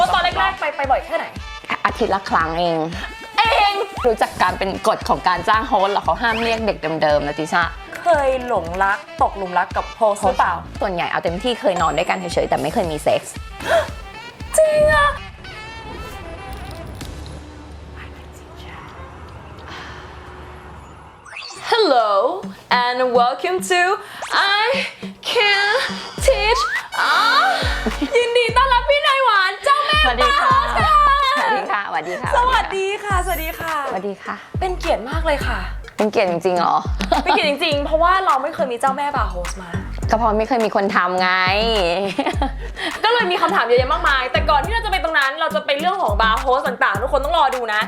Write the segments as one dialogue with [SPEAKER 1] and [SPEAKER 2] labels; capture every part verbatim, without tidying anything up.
[SPEAKER 1] ว่าตอนแรกๆไปไปบ่อยแค่ไหน
[SPEAKER 2] อาทิตย์ละครั้งเอง
[SPEAKER 1] เอง
[SPEAKER 2] รู้จักการเป็นกฎของการจ้างโฮสต์หรอเขาห้ามเรียกเด็กเดิมๆนะติชา
[SPEAKER 1] เคยหลงรักตกหลุมรักกับโฮสต์หรือเปล่า
[SPEAKER 2] ส่วนใหญ่เอาเต็มที่เคยนอนด้วยกันเฉยๆแต่ไม่เคยมีเซ็กส์
[SPEAKER 1] จริงอะHello and welcome to I Can Teach อ๋อยินดีต้อนรับพี่นายหวานเจ้าแม่
[SPEAKER 2] สวัสดีค่ะสวัสดีค่ะสวัสดีค่ะ
[SPEAKER 1] สวัสดีค่ะสวัสดีค่ะ
[SPEAKER 2] สวัสดีค่ะ
[SPEAKER 1] เป็นเกียรติมากเลยค่ะ
[SPEAKER 2] เป็นเกียรติจริงๆเหรอ
[SPEAKER 1] เป็นเกียรติจริงๆเพราะว่าเราไม่เคยมีเจ้าแม่บาร์โฮสมา
[SPEAKER 2] ก็เพราะไม่เคยมีคนทำไง
[SPEAKER 1] ก็เลยมีคำถามเยอะแยะมากมายแต่ก่อนที่เราจะไปตรงนั้นเราจะไปเรื่องของบาร์โฮสต่างๆทุกคนต้องรอดูนะ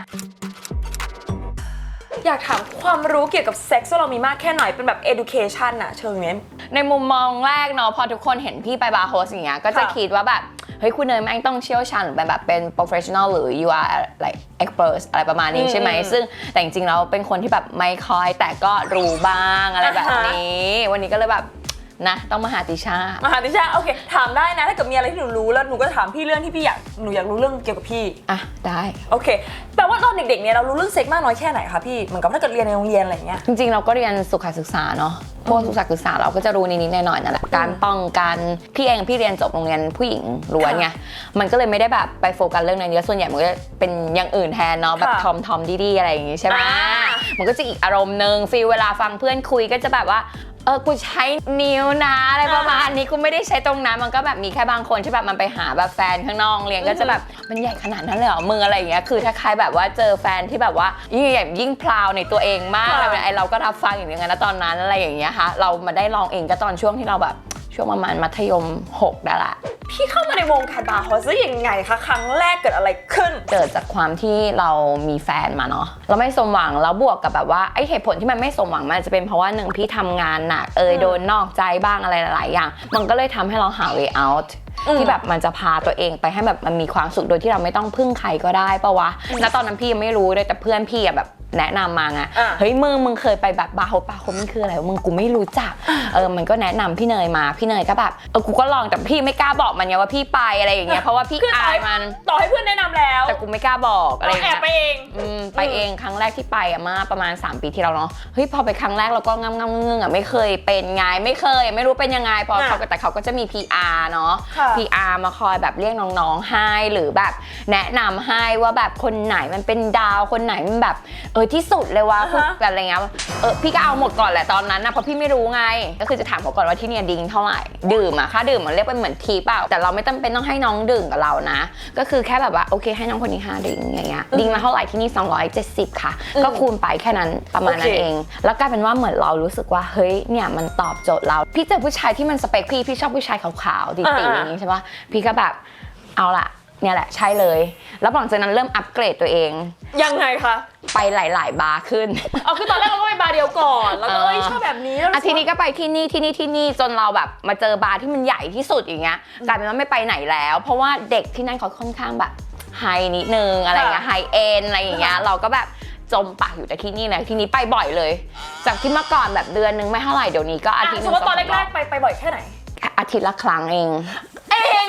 [SPEAKER 1] อยากถามความรู้เกี่ยวกับเซ็กซ์ว่าเรามีมากแค่ไหนเป็นแบบ education อะเชิงนี้
[SPEAKER 2] ในมุมมองแรกเนาะพอทุกคนเห็นพี่ไปบาร์โฮสอย่างเงี้ยก็จะคิดว่าแบบเฮ้ยคุณเนยแม่งต้องเชี่ยวชาญหรือเป็นแบบเป็น professional หรือ you are like expert อะไรประมาณนี้ใช่ไหมซึ่งแต่จริงๆแล้วเป็นคนที่แบบไม่ค่อยแต่ก็รู้บ้างอะไรแบบนี้วันนี้ก็เลยแบบนะต้องมาหาติชา
[SPEAKER 1] มาหาติชาโอเคถามได้นะถ้าเกิดมีอะไรที่หนูรู้แล้วหนูก็จะถามพี่เรื่องที่พี่อยากหนูอยากรู้เรื่องเกี่ยวกับพี่
[SPEAKER 2] อ่ะได้
[SPEAKER 1] โอเคแปลว่าตอนเด็กๆเนี่ยเรารู้เรื่องเซ็กมากน้อยแค่ไหนคะพี่เหมือนกับถ้าเกิดเรียนในโรงเรียนอะไรเงี้ย
[SPEAKER 2] จริงๆเราก็เรียนสุขศึกษาเนาะพวกสุขศึกษาเราก็จะรู้นิดๆหน่อยๆนั่นแหละการป้องกันพี่เองพี่เรียนจบโรงเรียนผู้หญิงล้วนไงมันก็เลยไม่ได้แบบไปโฟกัสเรื่องนั้นเยอะส่วนใหญ่มันก็เป็นอย่างอื่นแทนเนาะแบบทอมทอมดีๆอะไรอย่างงี้ใช่ไหมมันก็จะอีกอารมณ์นึงฟีลเวลาฟังเพื่อนคุยก็จะแบบว่าเออกูใช้นิ้วนะอะไรประมาณนี้กูไม่ได้ใช้ตรงนั้นมันก็แบบมีแค่บางคนที่แบบมันไปหาแบบแฟนข้างนอกเรียนก็จะแบบมันใหญ่ขนาดนั้นเลยเหรอมึงอะไรอย่างเงี้ยคือถ้าใครแบบว่าเจอแฟนที่แบบว่ายิ่งใหญ่ยิ่งพราวในตัวเองมากอะไรไอเราก็รับฟังอย่างเงี้ยนะตอนนั้นอะไรอย่างเงี้ยค่ะเรามาได้ลองเองก็ตอนช่วงที่เราแบบช่วงประมาณมัธยมหกได้ละ
[SPEAKER 1] พี่เข้ามาในวงการบาร์โฮสได้ยังไงคะครั้งแรกเกิดอะไรขึ้น
[SPEAKER 2] เกิดจากความที่เรามีแฟนมาเนาะเราไม่สมหวังแล้วบวกกับแบบว่าไอเหตุผลที่มันไม่สมหวังมันจะเป็นเพราะว่าหนึ่งพี่ทำงานหนักเอยโดนนอกใจบ้างอะไรหลายๆอย่างมันก็เลยทำให้เราหา way out ที่แบบมันจะพาตัวเองไปให้แบบมันมีความสุขโดยที่เราไม่ต้องพึ่งใครก็ได้ปะวะณตอนนั้นพี่ยังไม่รู้เลยแต่เพื่อนพี่อะแบบแนะนำมาไงเฮ้ยมึงมึงเคยไปแบบบาร์โฮสบาร์โฮสมันคืออะไรมึงกูไม่รู้จักเออมันก็แนะนำพี่เนยมาพี่เนยก็แบบเออกูก็ลองแต่พี่ไม่กล้าบอกมันไงว่าพี่ไปอะไรอย่างเงี้ยเพราะว่าพี่อายมัน
[SPEAKER 1] ต่อให้เพื่อนแนะนำแล้ว
[SPEAKER 2] แต่กูไม่กล้าบอกอะไรอย่าง
[SPEAKER 1] เงี้ยแอบไปเอง
[SPEAKER 2] อืมไปเองครั้งแรกที่ไปอะมาประมาณสามปีที่แล้วเนาะเฮ้ยพอไปครั้งแรกเราก็งำงำเงื้ออะไม่เคยเป็นไงไม่เคยไม่รู้เป็นยังไงพอเขาแต่เขาก็จะมี พี อาร์ เนาะ พี อาร์ มาคอยแบบเรียกน้องๆให้หรือแบบแนะนำให้ว่าแบบคนไหนมันเป็นดาวคนไหนมันแบบเออที่สุดเลยว่าพวกอะไรเงี้ยเออพี่ก็เอาหมดก่อนแหละตอนนั้นนะเพราะพี่ไม่รู้ไงก็คือจะถามเขาก่อนว่าที่เนี่ยดิ้งเท่าไหร่ดื่มอะค่าดื่มมันเรียกเป็นเหมือนทีเปล่าแต่เราไม่จำเป็นต้องให้น้องดื่มกับเรานะก็คือแค่แบบว่าโอเคให้น้องคนนี้ห้าดิ้งอย่างเงี้ยดิ้งมาเท่าไหร่ที่นี่สองร้อยเจ็ดสิบค่ะก็คูณไปแค่นั้นประมาณนั้นเองแล้วกลายเป็นว่าเหมือนเรารู้สึกว่าเฮ้ยเนี่ยมันตอบโจทย์เราพี่เจอผู้ชายที่มันสเปคพี่พี่ชอบผู้ชายขาวๆตี๋ๆอย่างงี้ใช่ปะพี่ก็แบบเอาล่ะเนี่ยแหละใช่เลยแล้วหลังจากนั้นเริ่มอัปเกรดตัวเอง
[SPEAKER 1] ยังไงคะ
[SPEAKER 2] ไปหลายๆบาร์ขึ้น
[SPEAKER 1] เอาคือตอนแรกเราก็ไปบาร์เดียวก่อนแล้วก็เอ้ยชอบแบบนี้
[SPEAKER 2] อาทีนี้ก็ไปที่นี่ที่นี่ที่นี่จนเราแบบมาเจอบาร์ที่มันใหญ่ที่สุดอย่างเงี้ยกลายเป็นว่าไม่ไปไหนแล้วเพราะว่าเด็กที่นั่นเขาค่อนข้างแบบไฮนิดนึงอะไรเงี้ยไฮเอ็นอะไรอย่างเงี้ยเราก็แบบจมปากอยู่แต่ที่นี่นะที่นี้ไปบ่อยเลยจากที่เมื่อก่อนแบบเดือนนึงไม่เท่าไหร่เดี๋ยวนี้ก็อาทิตย์นึง
[SPEAKER 1] สมมติว่าตอนแรกๆไปไปบ่อยแค่ไหน
[SPEAKER 2] อาทิตย์ละครั้งเอง
[SPEAKER 1] เอง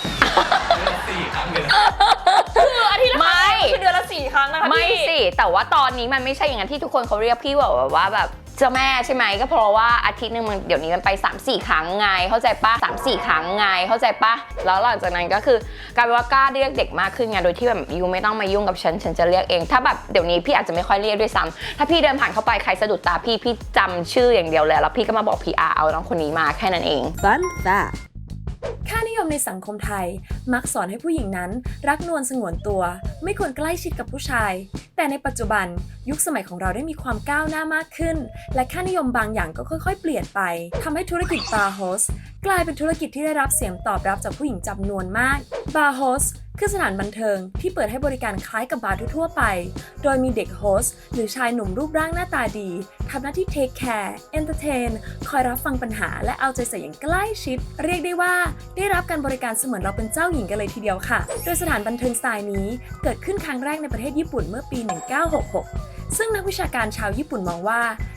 [SPEAKER 1] คืออาทิตย์ละครั้งคือเดือนละสี่ครั้งนะคะ
[SPEAKER 2] ไม่สิแต่ว่าตอนนี้มันไม่ใช่อย่างนั้นที่ทุกคนเขาเรียกพี่แบบว่าแบบเจ้าแม่ใช่ไหมก็เพราะว่าอาทิตย์นึงมันเดี๋ยวนี้มันไป สามสี่ ครั้งไงเข้าใจปะ สามสี่ ครั้งไงเข้าใจปะแล้วหลังจากนั้นก็คือกลายเป็นว่ากล้าเรียกเด็กมากขึ้นไงโดยที่แบบยูไม่ต้องมายุ่งกับฉันฉันจะเรียกเองถ้าแบบเดี๋ยวนี้พี่อาจจะไม่ค่อยเรียกด้วยซ้ำถ้าพี่เดินผ่านเข้าไปใครสะดุดตาพี่พี่จำชื่ออย่างเดียวเลยแล้วพี่ก็มาบอก พี อาร์ เอาน้องคนนี้มาแค่นั้นเอง
[SPEAKER 3] Fun fact
[SPEAKER 1] ค่านิยมในสังคมไทยมักสอนให้ผู้หญิงนั้นรักนวลสงวนตัวไม่ควรใกล้ชิดกับผู้ชายแต่ในปัจจุบันยุคสมัยของเราได้มีความก้าวหน้ามากขึ้นและค่านิยมบางอย่างก็ค่อยๆเปลี่ยนไปทำให้ธุรกิจบาร์โฮสกลายเป็นธุรกิจที่ได้รับเสียงตอบรับจากผู้หญิงจำนวนมากบาร์โฮสคือสถานบันเทิงที่เปิดให้บริการคล้ายกับบาร์ทั่วไปโดยมีเด็กโฮสต์หรือชายหนุ่มรูปร่างหน้าตาดีทำหน้าที่เทคแคร์เอนเตอร์เทนคอยรับฟังปัญหาและเอาใจใส่อย่างใกล้ชิดเรียกได้ว่าได้รับการบริการเสมือนเราเป็นเจ้าหญิงกันเลยทีเดียวค่ะโดยสถานบันเทิงสไตล์นี้เกิดขึ้นครั้งแรกในประเทศญี่ปุ่นเมื่อปีหนึ่งเก้าหกหกซึ่งนักวิชาการชาวญี่ปุ่นมองว่า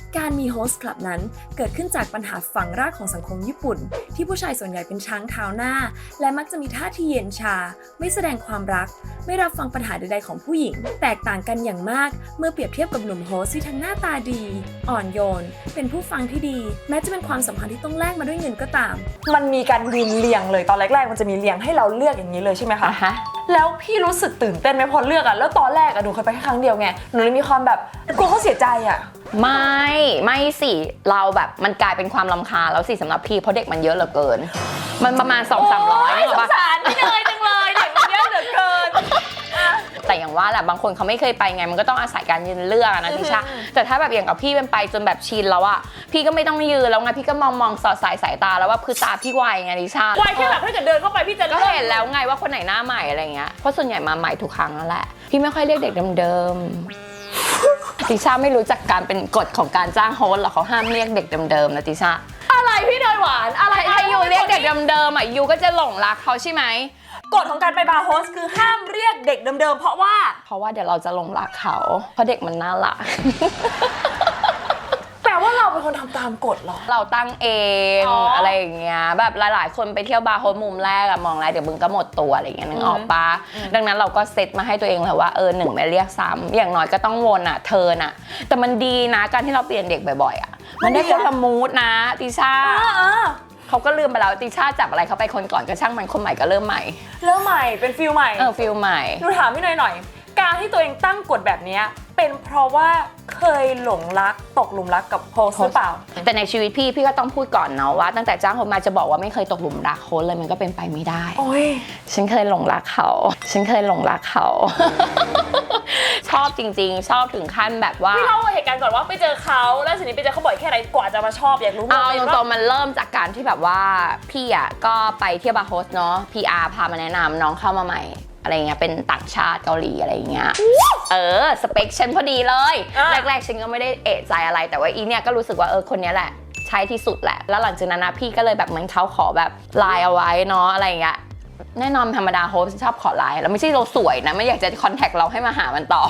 [SPEAKER 1] การมีโฮสต์คลับนั้นเกิดขึ้นจากปัญหาฝังรากของสังคมญี่ปุ่น ที่ผู้ชายส่วนใหญ่เป็นช้างเท้าหน้า และมักจะมีท่าทีเย็นชา ไม่แสดงความรัก ไม่รับฟังปัญหาใดๆของผู้หญิง แตกต่างกันอย่างมากเมื่อเปรียบเทียบกับหนุ่มโฮสต์ที่ทั้งหน้าตาดี อ่อนโยน เป็นผู้ฟังที่ดี แม้จะเป็นความสัมพันธ์ที่ต้องแลกมาด้วยเงินก็ตาม
[SPEAKER 3] มันมีการยืนเรียงเลยตอนแรกๆมันจะมีเรียงให้เราเลือกอย่างนี้เลยใช่ไหมคะ
[SPEAKER 2] อ่ะฮะ
[SPEAKER 3] แล้วพี่รู้สึกตื่นเต้นไหมพอเลือกอะแล้วตอนแรกอะหนูเคยไปแค่ครั้งเดียวไงหนูเลยมีความแบบกลัวเขาเสียใจอะ
[SPEAKER 2] ไม่ไม่สิเราแบบมันกลายเป็นความรำคาญแล้วสิสำหรับพี่เพราะเด็กมันเยอะเหลือเกิน มันประมาณ สองถึงสามร้อย
[SPEAKER 3] สงสารพี่เนยจังเลยเด็กมันเยอะเหลือเกิน
[SPEAKER 2] แต่อย่างว่าแหละบางคนเขาไม่เคยไปไงมันก็ต้องอาศัยการยืนเลือกอะนะทิชาแต่ถ้าแบบอย่างกับพี่เป็นไปจนแบบชินแล้วอะพี่ก็ไม่ต้องยืนแล้วไงพี่ก็มองมองสอดสายสายตาแล้วว่าคือตาพี่ไวไงทิชา
[SPEAKER 3] ไวแค่แบบถ้าเกิดเดินเข้าไปพี่จะ
[SPEAKER 2] ก็เห็นแล้วไงว่าคนไหนหน้าใหม่อะไรเงี้ยเพราะส่วนใหญ่มาใหม่ทุกครั้งนั่นแหละพี่ไม่ค่อยเรียกเด็กเดิมๆติชาไม่รู้จักการเป็นกฎของการจ้างโฮสต์หรอกเขาห้ามเรียกเด็กเดิมๆนะติชา
[SPEAKER 3] อะไรพี่เนยหวานอะไร
[SPEAKER 2] ถ้ายูเรียกเด็กเดิมๆอ่ะยูก็จะหลงรักเขาใช่ไหม
[SPEAKER 3] กฎของการไปบาร์โฮสคือห้ามเรียกเด็กเดิมๆเพราะว่า
[SPEAKER 2] เพราะว่าเดี๋ยวเราจะหลงรักเขาเพราะเด็กมันน่ารัก
[SPEAKER 3] แต่ว่าเราเป็นคนทำตามกฎเหรอ
[SPEAKER 2] เราตั้งเอง
[SPEAKER 3] อ๋ออ
[SPEAKER 2] อะไรอย่างเงี้ยแบบหลายๆ คนไปเที่ยวบาร์โฮสมุมแรกอะมองแล้วเดี๋ยวมึงก็หมดตัวอะไรอย่างเงี้ยนึกออกปะดังนั้นเราก็เซตมาให้ตัวเองแล้วว่าเออหนึ่งไม่เรียกซ้ำอย่างน้อยก็ต้องวนอะเทิร์นอะแต่มันดีนะการที่เราเปลี่ยนเด็กบ่อยๆอะมันได้คนละมูดนะติชาเขาก็ลืมไปแล้วติชาจับอะไรเขาไปคนก่อนก็ช่างมันคนใหม่ก็เริ่มใหม่
[SPEAKER 3] เริ่มใหม่เป็นฟิลใหม่
[SPEAKER 2] เออฟิลใหม่
[SPEAKER 3] หนูถามพี่หน่อยหน่อยการที่ตัวเองตั้งกฎแบบนี้เป็นเพราะว่าเคยหลงรักตกหลุมรักกับโฮสต์หรือเปล่า
[SPEAKER 2] แต่ในชีวิตพี่พี่ก็ต้องพูดก่อนเนาะว่าตั้งแต่จ้างคนมาจะบอกว่าไม่เคยตกหลุมรักโค้ชเลยมันก็เป็นไปไม่ได้
[SPEAKER 3] โอ้ย
[SPEAKER 2] ฉันเคยหลงรักเขา ฉันเคยหลงรักเขา ชอบจริงๆ ชอบถึงขั้นแบบว่า
[SPEAKER 3] พี่เล่าเหตุการณ์ก่อนว่าไปเจอเขาแล้วทีนี้ไปเจอเขาบ่อยแค่ไหนกว่าจะมาชอบอยากรู้
[SPEAKER 2] เอา
[SPEAKER 3] โมเมนต์
[SPEAKER 2] ตร
[SPEAKER 3] ว่าง
[SPEAKER 2] ๆมันเริ่มจากการที่แบบว่าพี่อ่ะก็ไปเที่ยวบาร์โฮสเนาะ พี อาร์ พามาแนะนำน้องเข้ามาใหม่อะไรเงี้ยเป็นต่างชาติเกาหลีอะไรเงี้ยเออสเปคฉันพอดีเลยแรกๆฉันก็ไม่ได้เอะใจอะไรแต่ว่าอีเนี่ยก็รู้สึกว่าเออคนนี้แหละใช่ที่สุดแหละแล้วหลังจากนั้นนะพี่ก็เลยแบบเหมือนเขาขอแบบไลน์เอาไว้เนาะอะไรเงี้ยแน่นอนธรรมดาโฮสชอบขอไลน์แล้วไม่ใช่เราสวยนะไม่อยากจะคอนแทคเราให้มาหามันต่อ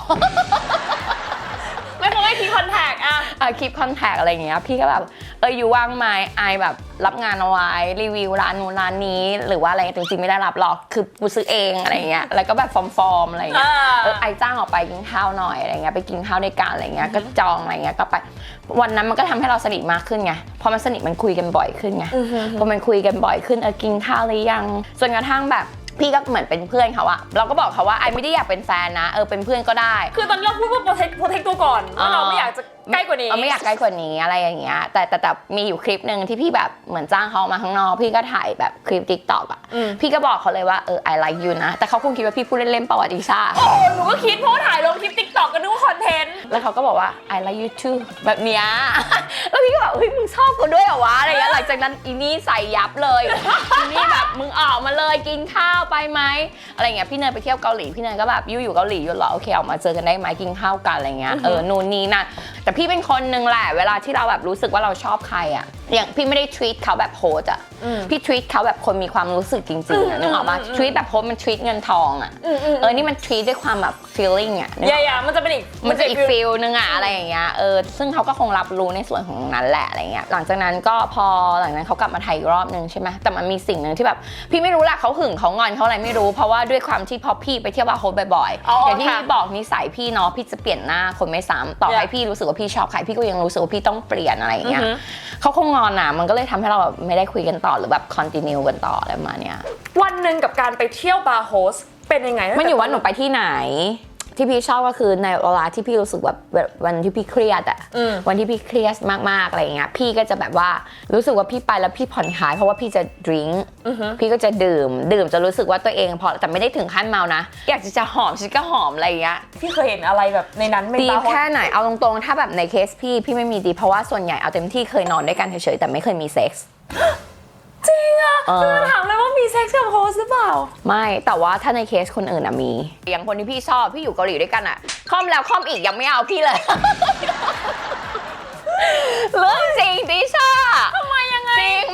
[SPEAKER 3] ไม่ต้องให้ทีคอนแทคอะ
[SPEAKER 2] เออคลิปคอนแทคอะไรอย่างเงี้ยพี่ก็แบบเอออยู่ว่างไหมไอแบบรับงานเอาไว้รีวิวร้านนู้นร้านนี้หรือว่าอะไรจริงๆไม่ได้รับหรอกคือกูซื้อเองอะไรเงี้ยแล้วก็แบบฟอร์มๆอะไรเงี้ยเออไอจ้างออกไปกินข้าวหน่อยอะไรเงี้ยไปกินข้าวด้วยกันอะไรเงี้ยก็จองอะไรเงี้ยก็ไปวันนั้นมันก็ทำให้เราสนิทมากขึ้นไงพอมันสนิทมันคุยกันบ่อยขึ้นไงพอมันคุยกันบ่อยขึ้นเออกินข้าวหรือยังจนกระทั่งแบบพี่ก็เหมือนเป็นเพื่อนเขาอะเราก็บอกเขาว่าไอไม่ได้อยากเป็นแฟนนะเออเป็นเพื่อนก็ได้
[SPEAKER 3] คือตอนเราพูดว่าโปรเทคโปรเทคตัวก่อนว่าเราไม่อยากจะใกล้กว่านี้
[SPEAKER 2] เออไม่อยากใกล้กว่านี้อะไรอย่างเงี้ยแต่แต่แต่มีอยู่คลิปหนึ่งที่พี่แบบเหมือนจ้างเขามาข้างนอกพี่ก็ถ่ายแบบคลิป ติ๊กต็อก อ่ะพี่ก็บอกเขาเลยว่าเออ I like you นะแต่เขาคงคิดว่าพี่พูดเล่นๆประวัติศาสตร์
[SPEAKER 3] โอ้หนูก็คิดเพราะว่าถ่ายลงคลิปติ๊กต็อกกันนึกว่าคอนเทนต์
[SPEAKER 2] แล้วเขาก็บอกว่า I like you too แบบเนี้ย แล้วพี่ก็แบบเฮ้ยมึงชอบกูด้วยเหรอวะอะไรเงี้ยหลังจากนั้นอีนี่ใส่ยับเลย อีนี่แบบมึงออกมาเลยกินข้าวไปไหมอะไรเงี้ยพี่เนยไปเที่ยวเกาหลีพี่เนยก็แบบยูอยู่เกาหลีอยู่เหรอโอเคออกมาเจอกันได้ไหมกินข้าวกันอะไรเงี้ยเออนู่นนี่นั่นแต่พี่เป็นคนนึงแหละเวลาที่เราแบบรู้สึกว่าเราชอบใครอ่ะอย่างพี่ไม่ได้ treat เขาแบบโฮสอ่ะพี่ treat เขาแบบคนมีความรู้สึกจริงๆอ่ะนึกออกปะ treat แบบโฮสมัน treat เงินทองอ่ะเออนี่มัน treat ด้วยความแบบ feeling อ่ะ
[SPEAKER 3] อย่าๆมันจะเป็นอีก
[SPEAKER 2] มันจะอีกฟีลนึงอะอะไรอย่างเงี้ยเออซึ่งเขาก็คงรับรู้ในส่วนของนั้นแหละอะไรเงี้ยหลังจากนั้นก็พอหลังจากนั้นเขากลับมาไทยอีกรอบนึงใช่ไหมแต่มันมีสิ่งหนึ่งที่แบบพี่ไม่รู้แหละเขาหึงเขางอนเขาอะไรไม่รู้เพราะว่าด้วยความที่พอพี่ไปเที่ยวบาร์โฮสบ่อยๆอย่างที่พี่บอกนิสัยพี่เนาะพี่จะเปลี่ยนหน้าคนไม่ซ้ำต่อให้พี่รู้สึกว่าพี่ชอบใครพี่ก็ยังรู้สึกว่าพี่ต้องเปลี่ยนอะไรอย่างเงี้ยเขาคงงอนอะมันก็เลยทำให้เราแบบไม่ได้คุยกันต่อหรือแบบคอนติเนียกันต่ออะไรประมาณเนี้ย
[SPEAKER 3] วันหนึ่งกับการไปเที่ยวบาร์โฮสเป็นยังไง
[SPEAKER 2] มันอยู่ว่าหนูไปที่ไหนที่พี่ชอบก็คือในเวลาที่พี่รู้สึกแบบวันที่พี่เครียดอะวันที่พี่เครียดมากๆอะไรอย่างเงี้ยพี่ก็จะแบบว่ารู้สึกว่าพี่ไปแล้วพี่ผ่อนคลายเพราะว่าพี่จะดื่มพี่ก็จะดื่มดื่มจะรู้สึกว่าตัวเองพอแต่ไม่ได้ถึงขั้นเมานะอยากจะจะหอมฉันก็หอมอะไรอย่างเงี้ย
[SPEAKER 3] พี่เคยเห็นอะไรแบบในนั้น
[SPEAKER 2] ดีแค่ไหนเอาตรงๆถ้าแบบในเคสพี่พี่ไม่มีดีเพราะว่าส่วนใหญ่เอาเต็มที่เคยนอนด้วยกันเฉยๆแต่ไม่เคยมีเซ็กส์
[SPEAKER 3] จริงอ่ะคือถามเลยว่ามีเซ็กซ์กับโฮสหรือเปล่า
[SPEAKER 2] ไม่แต่ว่าถ้าในเคสคนอื่นอะมีอย่างคนที่พี่ชอบพี่อยู่เกาหลีด้วยกันอะค่อมแล้วค่อมอีกยังไม่เอาพี่เลย เรื่องจริงดิชา
[SPEAKER 3] ทำไมยังไง
[SPEAKER 2] จริงมัน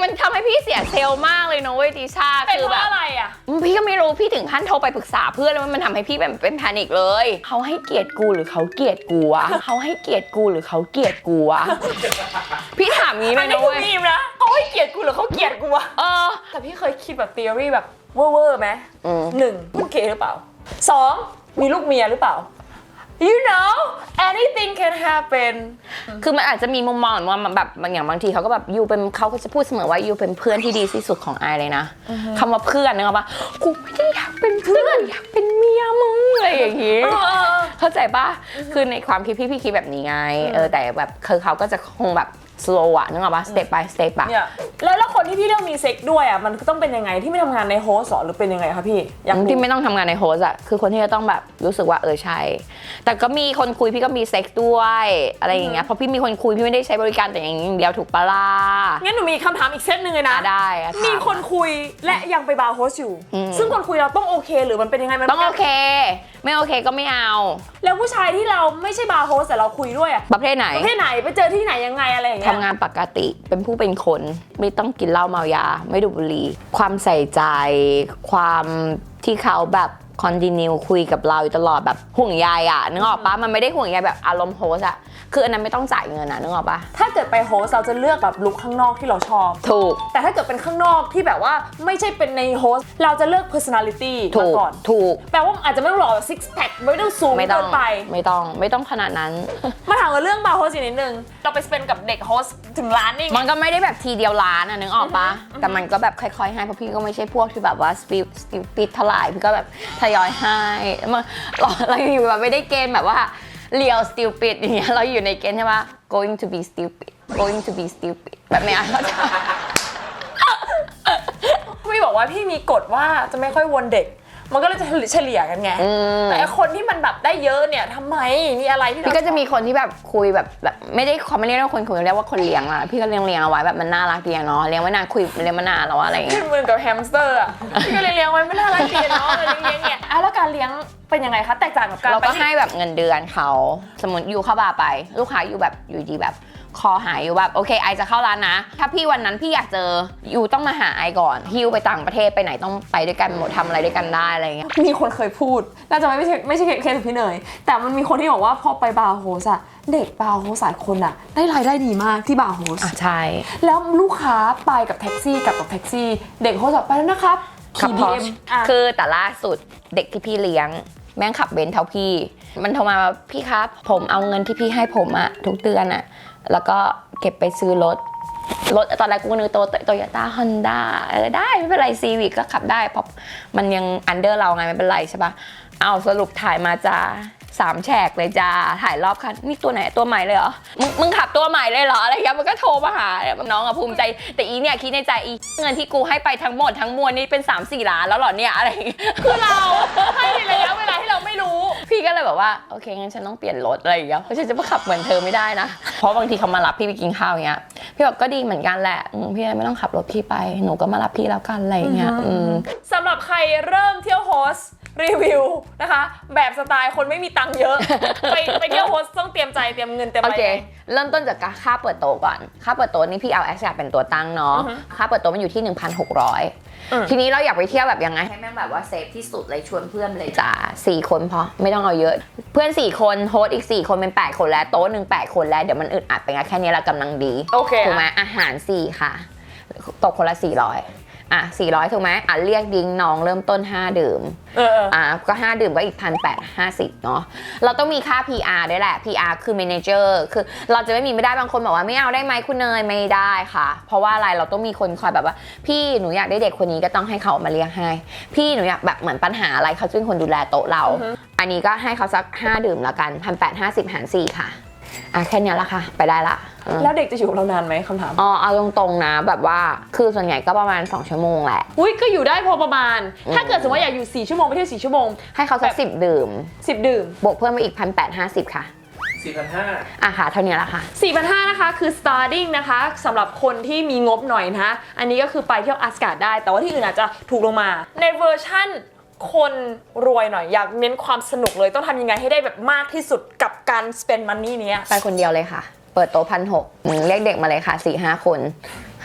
[SPEAKER 2] มันทำให้พี่เสียเซลล์มากเลยนะเว้ยติชา
[SPEAKER 3] เป็น
[SPEAKER 2] คือ
[SPEAKER 3] เพ
[SPEAKER 2] แบบ
[SPEAKER 3] ราะอะไรอ่ะ
[SPEAKER 2] พี่ก็ไม่รู้พี่ถึงขั้นโทรไปปรึกษาเพื่อนแล้วมันทำให้พี่เป็นเป็นแพนิคเลยเขาให้เกียรติกูหรือเขาเกลียดกูวะเขาให้เกียรติกูหรือเขาเกลียดกูวะพี่ถามงี้เล
[SPEAKER 3] อัน
[SPEAKER 2] ย
[SPEAKER 3] นี้
[SPEAKER 2] นะ
[SPEAKER 3] คือ
[SPEAKER 2] เว้ย
[SPEAKER 3] มีมนะเขาให้เกลียดกูหรือเขาเกลียดกูวะ
[SPEAKER 2] เออ
[SPEAKER 3] แต่พี่เคยคิดแบบ theory แบบเวอร์ๆไหม
[SPEAKER 2] อืม
[SPEAKER 3] หนึ่งมึงเกย์หรือเปล่าสองมีลูกเมียหรือเปล่า you know anything can happen
[SPEAKER 2] คือมันอาจจะมีมุมมองว่ามันแบบบางอย่างบางทีเขาก็แบบยูเป็นเขาก็จะพูดเสมอว่ายูเป็นเพื่อนที่ดีที่สุดของไอเลยนะคำว่าเพื่อนนึกออกปะกูไม่ได้อยากเป็นเพื่อนอยากเป็นเมียมึงอะไรอย่างงี้
[SPEAKER 3] เออ
[SPEAKER 2] เข้าใจปะคือในความคิดพี่พี่คิดแบบนี้ไงเออแต่แบบคือเขาก็จะคงแบบ slow อะนึกออกปะ step by step อะ
[SPEAKER 3] เนี่ยแล้วแล้วคนที่พี่เลือกมีเซ็กด้วยอ่ะมันต้องเป็นยังไงที่ไม่ทำงานในโฮสต์หรอหรือเป็นยังไงคะพี่อยากรู้
[SPEAKER 2] ที่ไม่ต้องทำงานในโฮสอะคือคนที่จะต้องแบบรู้สึกว่าเออใช่ แต่ก็มีคนคุยพี่ก็มีเซ็กซ์ด้วยอะไรอย่างเงี้ยเพราะพี่มีคนคุยพี่ไม่ได้ใช้บริการแต่อย่างเดียวถูกปะล่ะ
[SPEAKER 3] งั้นหนูมีคำถามอีกเซตหนึ่งเลยนะ
[SPEAKER 2] อ่ะได้อะถา
[SPEAKER 3] มีคนคุยและยังไปบาร์โฮสอยู่
[SPEAKER 2] อืม
[SPEAKER 3] ซึ่งคนคุยเราต้องโอเคหรือมันเป็นยังไงมัน
[SPEAKER 2] ต้องโอเค ไม่โอเคก็ไม่เอา
[SPEAKER 3] แล้วผู้ชายที่เราไม่ใช่บาร์โฮสแต่เราคุยด้วยอะ
[SPEAKER 2] ประเภทไหน
[SPEAKER 3] ประเภทไหนไปเจอที่ไหนยังไงอะไรอย่างเงี้ย
[SPEAKER 2] ทำงานปกติเป็นผู้เป็นคนไม่ต้องกินเหล้าเมายา ไม่ดูดบุหรี่ความใส่ใจ ความที่เขาแบบคอนติเนียคุยกับเราอยู่ตลอดแบบห่วงใยอ่ะนึกออกปะมันไม่ได้ห่วงใยแบบอารมณ์โฮสอะคืออันนั้นไม่ต้องจ่ายเงินอะนึกออกปะ
[SPEAKER 3] ถ้าเกิดไปโฮสเราจะเลือกแบบลุคข้างนอกที่เราชอบ
[SPEAKER 2] ถูก
[SPEAKER 3] แต่ถ้าเกิดเป็นข้างนอกที่แบบว่าไม่ใช่เป็นในโฮสเราจะเลือก personality
[SPEAKER 2] ถู
[SPEAKER 3] มาก ก่อน
[SPEAKER 2] ถูก
[SPEAKER 3] แปลว่าอาจจะไม่ต้องหล่อแบบ six pack ไม่ต้องสูง
[SPEAKER 2] ไม่ต้อ
[SPEAKER 3] เกิ
[SPEAKER 2] ง
[SPEAKER 3] นไป
[SPEAKER 2] ไม่ต้องไม่ต้องขนาดนั้น
[SPEAKER 3] มาถามกันเรื่องบาร์โฮสอีกนิดนึงเราไปสเปนกับเด็กโฮสถึงร้านนี่ไง
[SPEAKER 2] มันก็ไม่ได้แบบทีเดียวล้านอะนึกออกปะแต่มันก็แบบค่อยๆให้เพราะพี่ก็ไม่ใช่พวกที่แบบว่าสปีดสปีดปิดเท่าไหร่พี่ก็แบบทยอยให้มาเราเราอยู่แบบไม่ได้เกณฑ์แบบว่าเรียว stupid อย่างเงี้ยเราอยู่ในเกณฑ์ใช่ปะ going to be stupid going to be stupid แบบเนี้ย
[SPEAKER 3] พี่บอกว่าพี่มีกฎว่าจะไม่ค่อยวนเด็ก มันก็เลยจะเฉลี่ยกันไง
[SPEAKER 2] อืม
[SPEAKER 3] แต่ไอ้คนที่มันแบบได้เยอะเนี่ยทำไมมีอะไรที่เรา
[SPEAKER 2] พี่ก็จะมีคนที่แบบคุยแบบแบบไม่ได้เขาไม่เรียกว่าคนคุยเรียกว่าคนเลี้ยงอะพี่ก็เลี้ยงเลี้ยงเอาไว้แบบมันน่ารักดีอะเนาะเลี้ยงไว้นานคุยเลี้ยงมานานแล้วอะอะไรอย่างเงี้
[SPEAKER 3] ขึ้
[SPEAKER 2] ย
[SPEAKER 3] นมือกับแฮมสเตอร์อ่ะพี่ก็เลยเลี้ยงไว้ไม่น่ารักดีเนาะเลยเลี้ยงเนี่ยอ่ะแล้วการเลี้ยงเป็นยังไงคะแตกต่างกับการ
[SPEAKER 2] เรา
[SPEAKER 3] ไป
[SPEAKER 2] ก็
[SPEAKER 3] ที่
[SPEAKER 2] ให้แบบเงินเดือนเขาสมมติอยู่เข้าบาร์ไป ลูกค้าอยู่แบบอยู่ดีแบบคอหายอยู่แบบโอเคไอจะเข้าร้านนะ ถ้าพี่วันนั้นพี่อยากเจออยู่ต้องมาหาไอก่อนฮิวไปต่างประเทศไปไหนต้องไปด้วยกันหมดทำอะไรด้วยกันได้อะไรเงี้ย
[SPEAKER 3] มีคนเคยพูดน่าจะไม่ใช่ไม่ใช่เคสของพี่เนยแต่มันมีคนที่บอกว่าพอไปบาร์โฮสอะเด็กบาร์โฮสหลายคนอะได้รายได้ดีมากที่บาร์โฮส
[SPEAKER 2] อ่ะใช่
[SPEAKER 3] แล้วลูกค้าไปกับแท็กซี่กลับกับแท็กซี่ เด็กโฮสบอกไปแล้วนะครับขี่บี
[SPEAKER 2] พอ
[SPEAKER 3] เอ็มอ่ะ
[SPEAKER 2] คือแต่ล่าสุดเด็กที่พี่เลี้ยง แม่งขับเบนซ์เท่าพี่ มันโทรมาว่าพี่ครับผมเอาเงินที่พี่ให้ผมอะทุกเดือนอะแล้วก็เก็บไปซื้อรถรถตอนแรกกูนึกโตโตโยต้าฮอนด้าเออได้ไม่เป็นไรซีวิกก็ขับได้เพราะมันยังอันเดอร์เราไงไม่เป็นไรใช่ปะเอาสรุปถ่ายมาจ้าสามแฉกเลยจ้าถ่ายรอบคันนี่ตัวไหนตัวใหม่เลยเหรอมึงมึงขับตัวใหม่เลยเหรออะไรเงี้ยมันก็โทรมาหาน้องอะภูมิใจแต่อีเนี่ยคิดในใจอีเงินที่กูให้ไปทั้งหมดทั้งมวลนี่เป็น สามสี่ ล้านแล้วเหรอเนี่ยอะไรอย่างเงี้ย
[SPEAKER 3] คือเราให้ในระยะเวลาที่เราไม่รู้
[SPEAKER 2] พี่ก็เลยแบบว่าโอเคงั้นฉันต้องเปลี่ยนรถอะไรอย่างเงี้ยเพราะฉันจะมาขับเหมือนเธอไม่ได้นะเพราะบางทีเขามารับพี่ไปกินข้าวอย่างเงี้ยพี่บอกก็ดีเหมือนกันแหละอืมพี่ไม่ต้องขับรถพี่ไปหนูก็มารับพี่แล้วกันอะไรอย่างเงี้ยอืม
[SPEAKER 3] สำหรับใครเริ่มเที่ยวโฮสรีวิวนะคะ แบบสไตล์คนไม่มีตังค์เยอะ ไปไปเที่ยวโฮสต้องเตรียมใจเตรียมเงินเตรียม
[SPEAKER 2] โอ
[SPEAKER 3] อะไร
[SPEAKER 2] เค เริ่มต้นจากค่าเปิดโต๊ะก่อน ค่าเปิดโต๊ะนี่พี่เอาแอสแซเป็นตัวตั้งเนาะ
[SPEAKER 3] อือฮึ
[SPEAKER 2] ค่าเปิดโต๊ะมันอยู่ที่ หนึ่งพันหกร้อย
[SPEAKER 3] อืม
[SPEAKER 2] ทีนี้เราอยากไปเที่ยวแบบยังไงให้แม่งแบบว่าเซฟที่สุดเลยชวนเพื่อนเลยจ้าสี่คนพอไม่ต้องเอาเยอะ เพื่อนสี่คนโฮสต์อีกสี่คนเป็นแปดคนแล้วโต๊ะหนึ่งแปดคนแล้วเดี๋ยวมันอึดอัดไปงั้นแค่นี้เรากำลังดี
[SPEAKER 3] โอเค
[SPEAKER 2] ถูกไหมอาหารสี่ค่ะตกคนละสี่ร้อยอ่ะสี่ร้อยถูกไหมอ่ะเรียกดิ้งน้องเริ่มต้นห้าดื่ม
[SPEAKER 3] เออเออ
[SPEAKER 2] อ่ะก็ห้าดื่มก็อีกพันแปดห้าสิบเนาะเราต้องมีค่า พี อาร์ ด้วยแหละ พี อาร์ คือ manager คือเราจะไม่มีไม่ได้บางคนบอกว่าไม่เอาได้ไหมคุณเนยไม่ได้ค่ะ เพราะว่าอะไรเราต้องมีคนคอยแบบว่าพี่หนูอยากได้เด็กคนนี้ก็ต้องให้เขามาเลี้ยงให้พี่หนูอยากแบบเหมือนปัญหาอะไรเขาจะเป็นคนดูแลโต๊ะเรา อันนี้ก็ให้เขาสักห้าดื่มละกันพันแปดห้าสิบหารสี่ค่ะอ่ะแค่นี้ละค่ะไปได้ละอืม
[SPEAKER 3] แล้วเด็กจะอยู่กับเรานานไหมคำถาม
[SPEAKER 2] อ๋อเอาตรงๆนะแบบว่าคือส่วนใหญ่ก็ประมาณสองชั่วโมงแหละ
[SPEAKER 3] อุ้ยก็อยู่ได้พอประมาณ
[SPEAKER 2] อืม
[SPEAKER 3] ถ้าเกิดสมมติว่าอยากอยู่สี่ชั่วโมงไปเที่ยวสี่ชั่วโมง
[SPEAKER 2] ให้เขาสักสิบดื่ม
[SPEAKER 3] สิบดื่ม
[SPEAKER 2] บวกเพิ่มไปอีกพันแปดห้าสิบค่ะ
[SPEAKER 4] สี่พันห้า
[SPEAKER 2] อ่ะค่ะเท่านี้ละค่ะ
[SPEAKER 3] สี่พันห้าร้อยนะคะคือ starting นะคะสำหรับคนที่มีงบหน่อยนะคะอันนี้ก็คือไปเที่ยวอัสการ์ดได้ แต่ว่าที่อื่นอาจจะถูกลงมา ในเวอร์ชั่นคนรวยหน่อยอยากเน้นความสนุกเลยต้องทำยังไงให้ได้แบบมากที่สุดกับการ spend money เนี้ย
[SPEAKER 2] ไปคนเดียวเลยค่ะ เปิดโต๊ะพันหกเรียกเด็กมาเลยค่ะสี่ห้าคน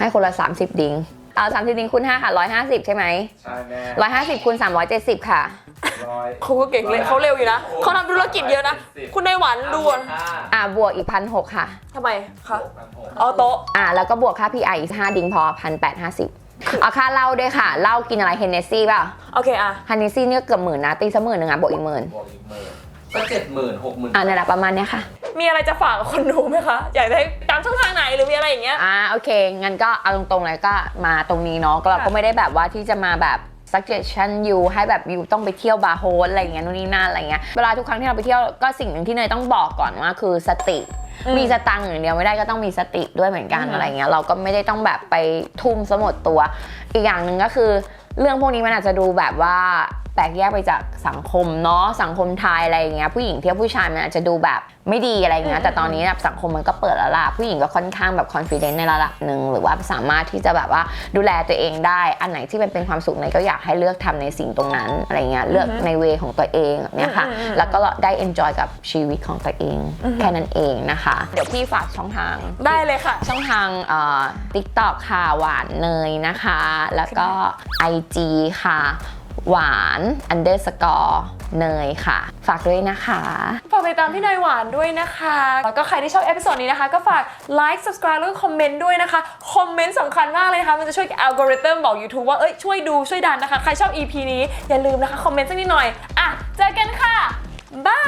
[SPEAKER 2] ให้คนละสามสิบดิ้งเอาสามสิบดิ้งคูณห้าค่ะร้อยห้าสิบใช่ไหม
[SPEAKER 4] ใช่แม่
[SPEAKER 2] ร้อยห้าสิบคูณสามร้อยเจ็ดสิบค่ะ
[SPEAKER 4] ร้อย
[SPEAKER 3] เขาก็เก่งเลยเขาเร็วอยู่นะเขาทำธุรกิจเยอะนะคุณนายหวานดูอะ
[SPEAKER 2] อ่าบวกอีกพันหกค่ะ
[SPEAKER 3] ทำไมคะ
[SPEAKER 4] พันหก
[SPEAKER 3] เอาโต๊ะ
[SPEAKER 2] อ่าแล้วก็บวกค่า พี ไอ อีกห้าดิ้งพอพันแปดห้าสิบเอาค่าเหล้าด้วยค่ะเหล้ากินอะไรเฮนเนสซี่ป่ะ
[SPEAKER 3] โอเคอะ
[SPEAKER 2] เฮนเนสซี่เนี่ยเกือบหมื่นนะตีซะหมื่นหนึ่งอ่ะบวกอีกหมื่น
[SPEAKER 4] บวกอีกหมื่นก็เจ็ดหมื่นหกหมื่น
[SPEAKER 2] อ่านี่นแหละประมาณเนี้ยค่ะ
[SPEAKER 3] มีอะไรจะฝากกับคนดูไหมคะอยากได้ตามช่องทางไหนหรือมีอะไรอย่างเงี้ย
[SPEAKER 2] อ่าโอเคงั้นก็เอาตรงๆเลยก็มาตรงนี้เนาะก็เราก็ไม่ได้แบบว่าที่จะมาแบบ suggestion you ให้แบบ you ต้องไปเที่ยวบาร์โฮสอะไรอย่างเงี้ยนู่นนี่นั่นอะไรเงี้ยเวลาทุกครั้งที่เราไปเที่ยวก็สิ่งหนึ่งที่เนยต้องบอกก่อนว่าคือสติ
[SPEAKER 3] อืม
[SPEAKER 2] มีสตังค์อย่างเดียวไม่ได้ก็ต้องมีสติด้วยเหมือนกัน
[SPEAKER 3] อืม
[SPEAKER 2] อะไรเงี้ยเราก็ไม่ได้ต้องแบบไปทุ่มซะหมดตัว อีกอย่างหนึ่งก็คือเรื่องพวกนี้มันอาจจะดูแบบว่าแตกแยกไปจากสังคมเนาะสังคมไทยอะไรอย่างเงี้ยผู้หญิงเที่ยวผู้ชายมันอาจจะดูแบบไม่ดีอะไรเงี้ยแต่ตอนนี้แบบสังคมมันก็เปิดแล้วล่ะผู้หญิงก็ค่อนข้างแบบ confident ในระดับหนึ่งหรือว่าสามารถที่จะแบบว่าดูแลตัวเองได้อันไหนที่มันเป็นความสุขเนยก็อยากให้เลือกทำในสิ่งตรงนั้นอะไรเงี้ยเลือกในเวของตัวเองแบบเนี้ยค่ะแล้วก็ได้ enjoy กับชีวิตของตัวเองแค่นั้นเองนะคะเดี๋ยวพี่ฝากช่องทาง
[SPEAKER 3] ได้เลยค่ะ
[SPEAKER 2] ช่องทางเอ่อ TikTok ค่ะหวานเนยนะคะ แล้วก็ ไอ จี ค่ะ หวาน underscore เนยค่ะ ฝากด้วยนะคะ
[SPEAKER 3] ฝากติดตามพี่นายหวานด้วยนะคะ แล้วก็ใครที่ชอบเอพิโซดนี้นะคะ ก็ฝาก like subscribe แล้วก็คอมเมนต์ด้วยนะคะ คอมเมนต์สำคัญมากเลยนะคะ มันจะช่วยอัลกอริทึมบอก YouTube ว่า เอ้ย ช่วยดูช่วยดันนะคะ ใครชอบ อี พี นี้ อย่าลืมนะคะ คอมเมนต์สักนิดหน่อย อ่ะ เจอกันค่ะ บาย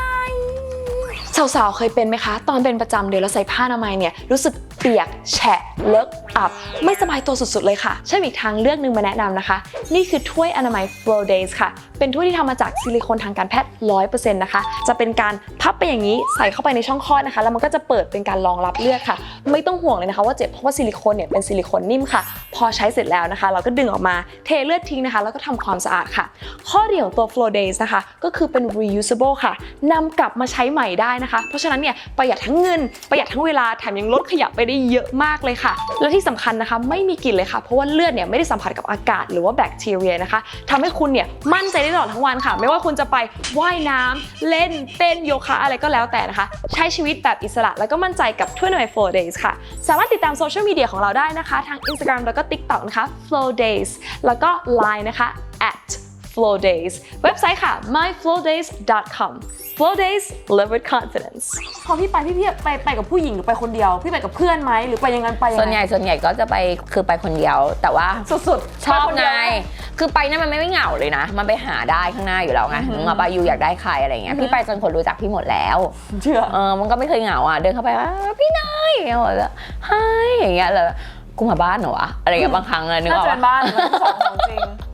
[SPEAKER 3] สาวๆ เคยเป็นไหมคะ ตอนเป็นประจำเดือนแล้วใส่ผ้าอนามัยเนี่ย รู้สึกเปียกแฉะเลอะอับ ไม่สบายตัวสุดๆ เลยค่ะใช่อีกทางเลือกหนึ่งมาแนะนำนะคะ นี่คือถ้วยอนามัย Flow Days ค่ะ เป็นถ้วยที่ทำมาจากซิลิโคนทางการแพทย์ ร้อยเปอร์เซ็นต์ นะคะ จะเป็นการพับไปอย่างนี้ใส่เข้าไปในช่องคลอดนะคะ แล้วมันก็จะเปิดเป็นการรองรับเลือดค่ะ ไม่ต้องห่วงเลยนะคะว่าเจ็บเพราะว่าซิลิโคนเนี่ยเป็นซิลิโคนนิ่มค่ะ พอใช้เสร็จแล้วนะคะ เราก็ดึงออกมาเทเลือดทิ้งนะคะ แล้วก็ทำความสะอาดค่ะ ข้อดีของตัว Flow Days นะคะก็คือเป็น reusable ค่ะนำกลับมาใช้ใหม่ได้นะคะ เพราะฉะนั้นเนี่ยประหยัดทั้งเงินประหยัดทั้งเวลาแถมยังลดขยะไปได้เยอะมากเลยค่ะและที่สำคัญนะคะไม่มีกลิ่นเลยค่ะเพราะว่าเลือดเนี่ยไม่ได้สัมผัสกับอากาศหรือว่าแบคทีเรียนะคะทำให้คุณเนี่ยมั่นใจได้ตลอดทั้งวันค่ะไม่ว่าคุณจะไปว่ายน้ำเล่นเต้นโยคะอะไรก็แล้วแต่นะคะใช้ชีวิตแบบอิสระแล้วก็มั่นใจกับถ้วยอนามัย Flow Days ค่ะสามารถติดตามโซเชียลมีเดียของเราได้นะคะทาง Instagram แล้วก็ TikTok นะคะ Flow Days แล้วก็ ไลน์ นะคะ at Flow Days เว็บไซต์ค่ะ my flow days dot com Flow Days live with confidence พอพี่ไปพี่พี่ไปไปกับผู้หญิงหรือไปคนเดียวพี่ไปกับเพื่อนไหมหรือไปยังไงไปยังไง
[SPEAKER 2] ส่วนใหญ่ส่วนใหญ่ก็จะไปคือไปคนเดียวแต่ว่า
[SPEAKER 3] สุดๆ
[SPEAKER 2] ชอบ
[SPEAKER 3] ปคน
[SPEAKER 2] ไง
[SPEAKER 3] เดียว
[SPEAKER 2] คือไปนั่นมันไม่เหงาเลยนะ มันไปหาได้ข้างหน้าอยู่แล้วไงมึงมาไปยูอยากได้ใครอะไรเงี้ย พี่ไปจนคนรู้จักพี่หมดแล้ว
[SPEAKER 3] เชื่อ
[SPEAKER 2] เออ มันก็ไม่เคยเหงาอ่ะ เดินเข้าไปว่าพี่นายอย่างเงี้ยแล้วไฮอย่างเงี้ยแล้วกูมาบ้านเหรอวะอะไรเงี้ยบางครั้งเลยนึกอ
[SPEAKER 3] น่า
[SPEAKER 2] อก
[SPEAKER 3] จะ
[SPEAKER 2] ปะ
[SPEAKER 3] เป็นบ้านมันสองของจริง